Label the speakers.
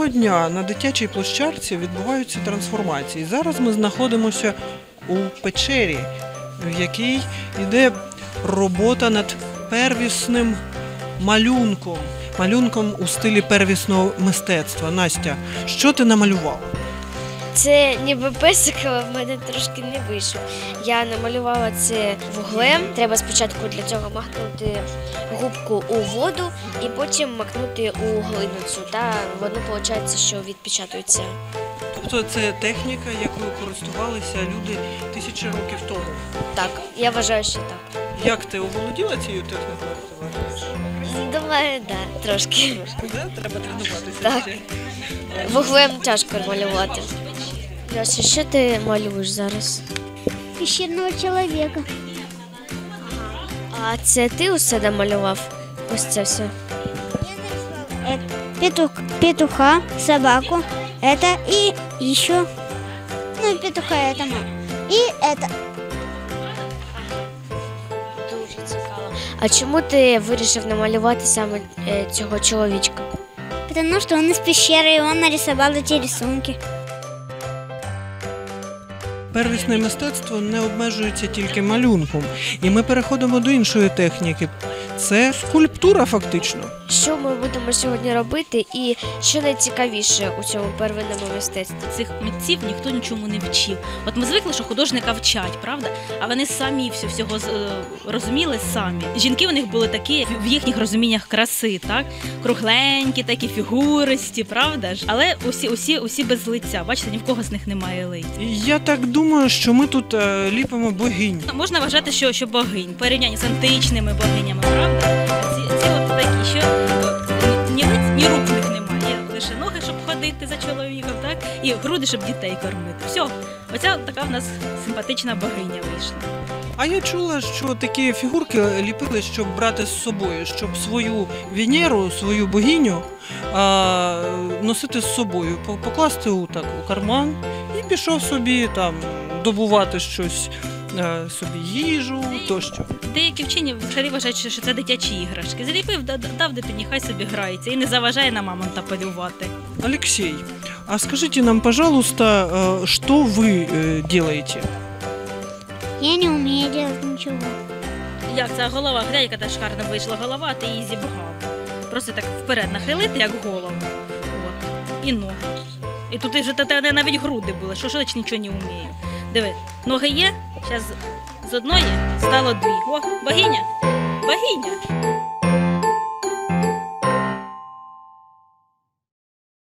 Speaker 1: Щодня на дитячій площадці відбуваються трансформації. Зараз ми знаходимося у печері, в якій йде робота над первісним малюнком у стилі первісного мистецтва. Настя, що ти намалювала?
Speaker 2: Це ніби песик, але в мене трошки не вийшло. Я намалювала це вуглем. Треба спочатку для цього макнути губку у воду і потім макнути у глину цю. Та воно виходить, що відпечатується.
Speaker 1: Тобто це техніка, якою користувалися люди тисячі років тому.
Speaker 2: Так, я вважаю, що так.
Speaker 1: Як ти оволоділа цією технікою, як ти вважаєш?
Speaker 2: Думаю, так, трошки.
Speaker 1: Треба тренуватися.
Speaker 2: Так. Вуглем тяжко малювати. Льоша, що ти малюєш зараз?
Speaker 3: Пещерного человека.
Speaker 2: А це ти усе намалював? Ось це все.
Speaker 3: Петуха, собаку, это и еще. Ну, петуха это и это.
Speaker 2: Дуже цікаво. А чому ти вирішив намалювати саме цього чоловічка?
Speaker 3: Потому что он из пещеры, и он нарисовал эти рисунки.
Speaker 1: Первісне мистецтво не обмежується тільки малюнком. І ми переходимо до іншої техніки. Це скульптура фактично.
Speaker 2: Що ми будемо сьогодні робити і що найцікавіше у цьому первинному мистецтві?
Speaker 4: Цих митців ніхто нічому не вчив. От ми звикли, що художника вчать, правда? А вони самі всього розуміли самі. Жінки у них були такі в їхніх розуміннях краси, так? Кругленькі, такі фігуристі, правда ж? Але усі без лиця. Бачите, ні в кого з них немає лиця.
Speaker 1: І я так думаю, що ми тут ліпимо богинь.
Speaker 4: Можна вважати, що богинь, порівняння з античними богинями, правда? Ці от такі, що ні лиць, ні рук в них немає. Є лише ноги, щоб ходити за чоловіком, так? І груди, щоб дітей кормити. Все, оця така в нас симпатична богиня вийшла.
Speaker 1: А я чула, що такі фігурки ліпили, щоб брати з собою, щоб свою Венеру, свою богиню носити з собою, покласти у карман і пішов собі там добувати щось, собі їжу тощо.
Speaker 4: Деякі вчені взагалі вважають, що це дитячі іграшки. Заліпив, дав дитині, хай собі грається і не заважає на мамонта полювати.
Speaker 1: Алексей, а скажите нам, пожалуйста, что вы делаете?
Speaker 3: Я не умею делать ничего.
Speaker 4: Як ця голова, глянь, яка та шикарна вийшла голова, ти її зібгав. Просто так вперед нахилити, як голову. От. І ноги. І тут вже навіть груди були, що ж нічого не вмію. Диви, ноги є, зараз з одної стало дві. О, богиня! Богиня!